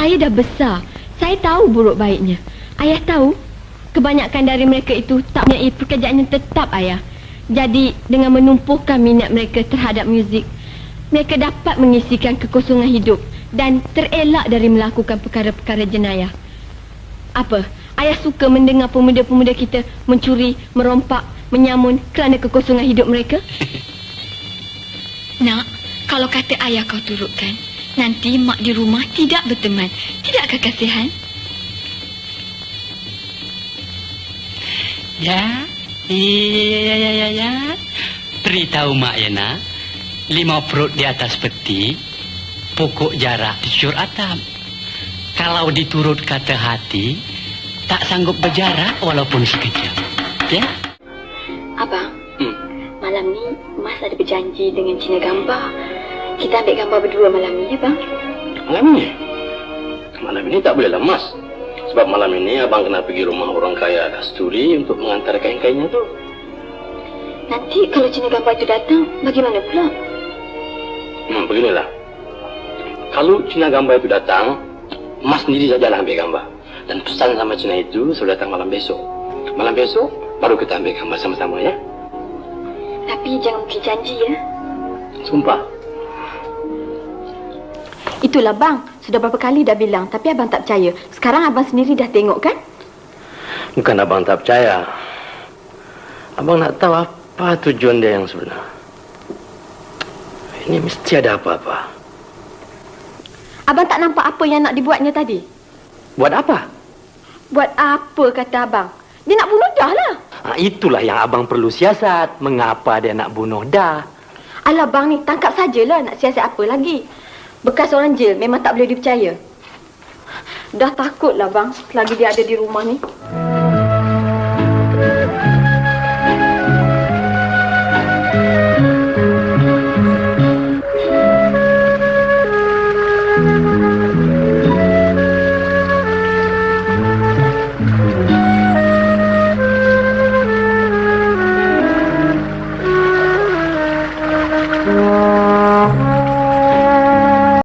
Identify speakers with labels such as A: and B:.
A: saya dah besar. Saya tahu buruk baiknya. Ayah tahu, kebanyakan dari mereka itu tak mempunyai pekerjaan yang tetap, ayah. Jadi, dengan menumpuhkan minat mereka terhadap muzik, mereka dapat mengisikan kekosongan hidup dan terelak dari melakukan perkara-perkara jenayah. Apa? Ayah suka mendengar pemuda-pemuda kita mencuri, merompak, menyamun kerana kekosongan hidup mereka?
B: Nak, kalau kata ayah kau turutkan, nanti mak di rumah tidak berteman. Tidakkah kasihan?
C: Ya. Beritahu mak ya nak, 5 perut di atas peti, pokok jarak dicur atap. Kalau diturut kata hati, tak sanggup berjarak walaupun sekejap. Ya?
B: Abang, malam ni Mas ada berjanji dengan Cina Gambar. Kita ambil gambar berdua malam ni, ya bang?
D: Malam ni? Malam ini tak boleh lemas. Sebab malam ini abang kena pergi rumah orang kaya Kasturi untuk mengantar kain-kainnya tu.
B: Nanti kalau Cina Gambar itu datang, bagaimana pula?
D: Beginilah. Kalau Cina Gambar itu datang, Mas sendiri sajalah ambil gambar. Dan pesan sama Cina itu sudah datang malam besok. Malam besok baru kita ambil gambar sama-sama ya.
B: Tapi jangan beri janji ya.
D: Sumpah.
A: Itulah bang, sudah berapa kali dah bilang, tapi abang tak percaya. Sekarang abang sendiri dah tengok kan?
D: Bukan abang tak percaya. Abang nak tahu apa tujuan dia yang sebenar. Ini mesti ada apa-apa.
A: Abang tak nampak apa yang nak dibuatnya tadi?
D: Buat apa?
A: Buat apa kata abang? Dia nak bunuh Dah lah.
D: Itulah yang abang perlu siasat. Mengapa dia nak bunuh Dah?
A: Alah bang ni, tangkap sajalah, nak siasat apa lagi? Bekas orang jil memang tak boleh dipercaya. Dah takutlah bang, selagi dia ada di rumah ni.